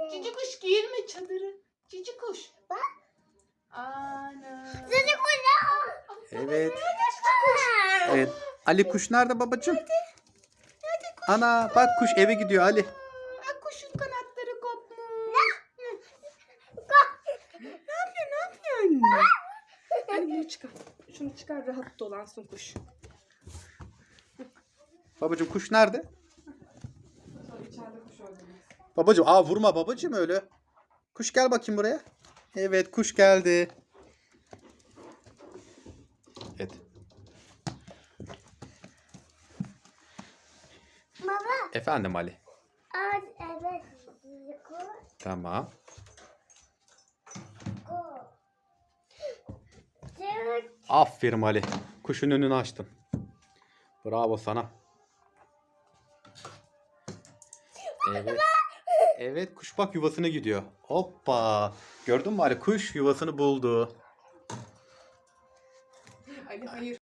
Cici kuş girme çadırı. Cici kuş. Bak. Ana. Cici kuş. Evet. Evet. Ali kuş nerede babacığım? Hadi kuş. Ana bak kuş eve gidiyor Ali. Aa, kuşun kanatları kopmuş. Ne yapıyorsun? Hadi bunu çıkar. Şunu çıkar rahat dolansın kuş. Babacığım kuş nerede? Sonra içeride kuş öldürmez. Babacığım vurma babacığım öyle. Kuş gel bakayım buraya. Evet kuş geldi. Evet. Baba. Efendim Ali. Evet. Cici kuş. Tamam. Aferin Ali. Kuşun önünü açtın. Bravo sana. Evet. Evet kuş bak yuvasına gidiyor. Hoppa. Gördün mü Ali? Kuş yuvasını buldu. Ali hayır.